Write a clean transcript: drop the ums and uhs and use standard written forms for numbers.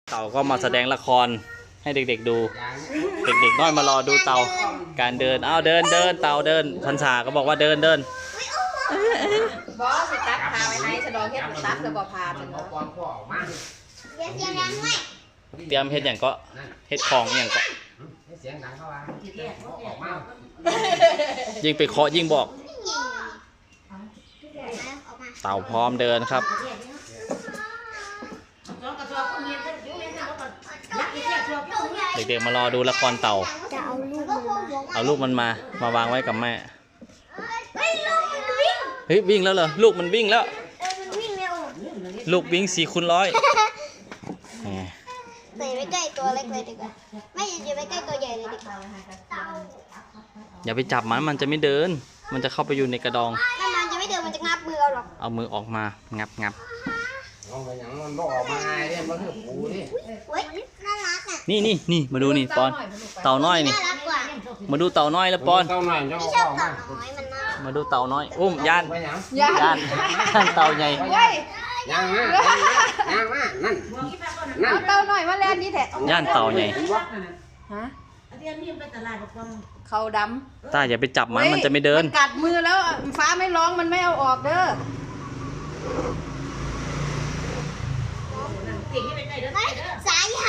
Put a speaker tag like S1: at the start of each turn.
S1: เต่าก็มาแสดงละครให้เด็กๆดู เด็กๆน้อยมารอดูเต่าการเดินเดินเต่าเดินพันษาก็บอกว่าเดิน
S2: บอสตัดพาไว้ไหนสะดอกเฮ็ดตัดแล้วบ่พาเป็นบ่
S1: เตรียมเฮ็ดอย่างก็เฮ็ดของอย่างก็ยิ่งไปเคาะยิ่งบอกเต่าพร้อมเดินครับเด็กๆมารอดูละครเต่าเอาลูกมันมาวางไว้กับแม่เฮ้ยวิ่งแล้วเหรอลูกมันวิ่งแล้วลูกวิ่ง4x100
S3: ใส่ไว้ใกล้ตัวเล็กเลยดีกว่าไม่อย่าไปใกล้ตัวใหญ่เลยดีกว่า
S1: อย่าไปจับมันจะไม่เดินมันจะเข้าไปอยู่ในกระดอง
S3: ถ้ามันจะไม่เดินมันจะงับมือเอาหรอก
S1: เอามือออกมางับ
S4: ลองไปอย่างมันบอกออกมาไงเนี่ยมันคือปูนี่
S3: เว้ยน่ารักอ่ะ
S1: นี่มาดูนี่ปอนเต่าน้อยนี่
S3: น่ารักกว่า
S1: มาดูเต่าน้อยแล้วปอน
S4: เต่าหน่อยจะ
S3: ไม่
S4: อ
S3: ชอบ
S4: อก
S3: เต่า
S4: มา
S3: น้อยมันน่ารัก
S1: มาดูเต่าน้อยย่าน
S4: ไปอย่าง
S1: ย่านเต่าใหญ่
S2: เว้ย
S4: ย่างนะย่างนะนั่น
S2: เอาเต้าหน่อยมาแล่นนี่แท้
S1: ย่านเต่าใหญ่
S2: ฮะเขาดำ
S1: ตาอย่าไปจับมันจะไม่เดิน
S2: มันกัดมือแล้วฟ้าไม่ร้องมันไม่เอาออกเด้อ